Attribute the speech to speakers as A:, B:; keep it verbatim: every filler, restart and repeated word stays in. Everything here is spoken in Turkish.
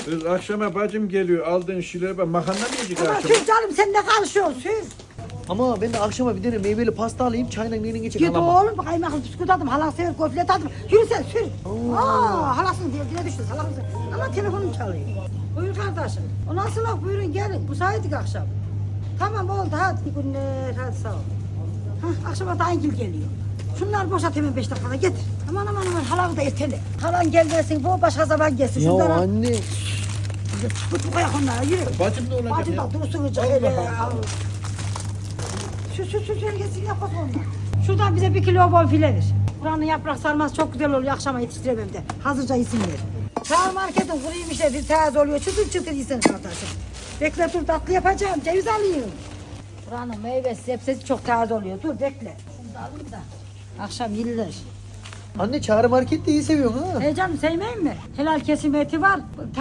A: Kız akşama bacım geliyor aldığın şeylere bak makarna mı yiyecek
B: Ama
A: akşama?
B: sür canım sen ne karışıyorsun sür.
C: Ama ben de akşama bir tane meyveli pasta alayım çayla neyle geçecek
B: Git
C: halama.
B: oğlum kaymaklı bisküvit aldım. Halan sever gofret aldım. Yürü sen sür. Aa, halasının derdine düştü salak mısın? Ama telefonum çalıyor. Buyur kardeşim. O nasıl laf buyurun gelin. Müsaitlik akşam. Tamam oldu hadi iyi günler hadi sağ ol. Hah, akşama da Aygül geliyor. Şunları boşalt hemen beş dakikada getir. Aman aman aman halanı da ertele. Halan gelmesin bu başka zaman gelsin.
C: Ya
B: Şunları al.
C: anne.
B: Tut bu kayak onlara yürü.
A: Bacım ne olacak
B: Bacım
A: ya?
B: da dursun hıcı.
A: Allah
B: hele,
A: Allah.
B: al. Şu şu şu şu gelsin yap bak onları. Şuradan bize bir kilo bonfile ver. Buranın yaprak sarması çok güzel oluyor. Akşama yetiştiremem de. Hazırca isim ver. Çağır marketin kuruyum işte bir taze oluyor. Çıtır çıtır yesin kardeşim. Bekle dur tatlı yapacağım. Ceviz alayım. Buranın meyvesi sebzesi çok taze oluyor. Dur bekle. Şunu da alayım da. Akşam yıllar.
C: Anne Çağrı Market de iyi seviyorsun ha.
B: Hey canım sevmeyeyim mi? Helal kesim eti var.